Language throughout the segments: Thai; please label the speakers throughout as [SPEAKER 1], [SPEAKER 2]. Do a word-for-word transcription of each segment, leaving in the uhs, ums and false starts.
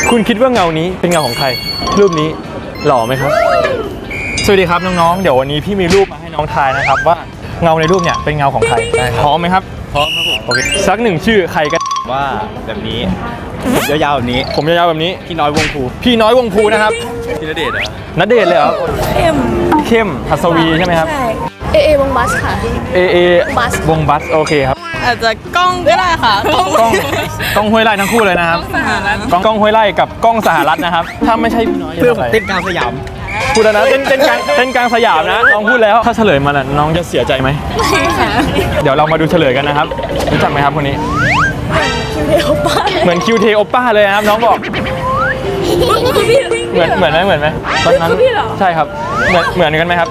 [SPEAKER 1] คุณคิดว่าเงานี้เป็นเงาของใครรูปนี้หล่อไหมครับสวัสดีครับน้องๆเดี๋ยววันนี้พี่มีรูปมาให้น้องทายนะครับว่าเงาในรูปเนี่ยเป็นเงาของใครพร้อมไหมครับพร้อมครับผมโอเคสักหนึ่งชื่อใครกัน
[SPEAKER 2] ว่าแบบนี้ผมยาวๆแบบนี้
[SPEAKER 1] ผมยาวๆแบบนี้
[SPEAKER 2] พี่น้อยวงภู
[SPEAKER 1] พี่น้อยวงภูนะครับ
[SPEAKER 2] พี่ณเดชน์เหรอ
[SPEAKER 1] ณเดชน์เลยเหรอ
[SPEAKER 3] เข้ม
[SPEAKER 1] เข้มหัสวีใช่ไหมครับ
[SPEAKER 3] ใช่เอเอวงบัสค่ะ
[SPEAKER 1] เอเอ
[SPEAKER 3] บัส
[SPEAKER 1] วงบัสโอเคครับ
[SPEAKER 3] อาจจะกล้องก็ได้ค่ะกล้อง
[SPEAKER 1] กล้องกล้องห้วยไร่ทั้งคู่เลยนะครับกล้องกล้องห้วยไร่กับกล้องสหรัฐนะครับถ้าไม่ใช่พี่น้อย
[SPEAKER 2] เพื่อผมเต้นกลางสยาม
[SPEAKER 1] พูดแล้วนะเต้นเต้นกลางเต้นกลางสยามนะน้องพูดแล้วถ้าเฉลยมาแล้วน้องจะเสียใจไหม
[SPEAKER 3] ไม่ค่ะ
[SPEAKER 1] เดี๋ยวเรามาดูเฉลยกันนะครับรู้จักไหมครับคนนี้
[SPEAKER 3] คิวเทโอป้า
[SPEAKER 1] เหมือนคิวเทโอป้าเลยนะครับน้องบอกเหมือนเหมือนไหมเหมือนไหมตอนนั้นใช่ครับเหมือนเหมือนกันไหมครับ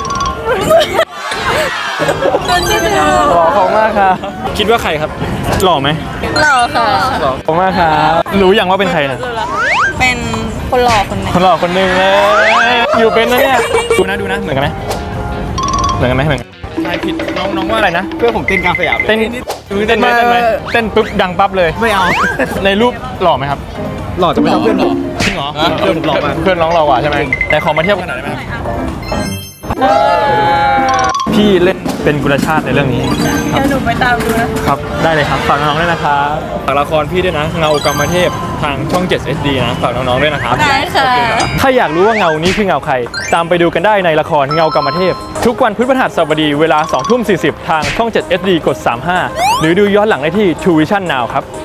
[SPEAKER 1] หล่อของมากครับคิดว่าใครครับหล่อไหม
[SPEAKER 3] หล่อค่ะ
[SPEAKER 1] หล่อของมากครับรู้อย่างว่าเป็นใครนะ
[SPEAKER 3] เป็นคนหล่อคนนึง
[SPEAKER 1] คนหล่อคนหนึ่งเลยอยู่เป็นนะเนี่ยดูนะดูนะเหมือนกันไหมเหมือนกันไหมเหมือนกันใครผิดน้องน้องว่าอะไรนะ
[SPEAKER 2] เพื่อผมเต้นกลางสยาม
[SPEAKER 1] เต้นเต้นไหมเต้นไหมเต้นปุ๊บดังปั๊บเลย
[SPEAKER 2] ไม่เอา
[SPEAKER 1] ในรูปหล่อไหมครับ
[SPEAKER 2] หล่อจะไม่ต้องเพื่อนหรอ
[SPEAKER 1] จริงเหรอ
[SPEAKER 2] เพื่อนผมหล่อมาก
[SPEAKER 1] เพื่อนน้องหล่อกว่าใช่ไหมแต่ขอมาเทียบกันหน่อยได้ไหมพี่เล่นเป็นกุลชาติในเรื่องนี้
[SPEAKER 3] เดี๋ยวหนูไปตามดูนะครับ
[SPEAKER 1] ได้เลยครับฝากน้องๆด้วยนะครับฝากละครพี่ด้วยนะเงากรรมเทพทางช่อง เจ็ด เอส ดี นะฝากน้องๆด้วยนะครับ
[SPEAKER 3] ได้ค่ะ
[SPEAKER 1] ถ้าอยากรู้ว่าเงานี้คือเงาใครตามไปดูกันได้ในละครเงากรรมเทพทุกวันพฤหัสบดีเวลา สองทุ่มสี่สิบ ทางช่อง เจ็ด เอส ดี กด สามสิบห้า หรือดูย้อนหลังได้ที่ ทู วิชั่น นาว ครับ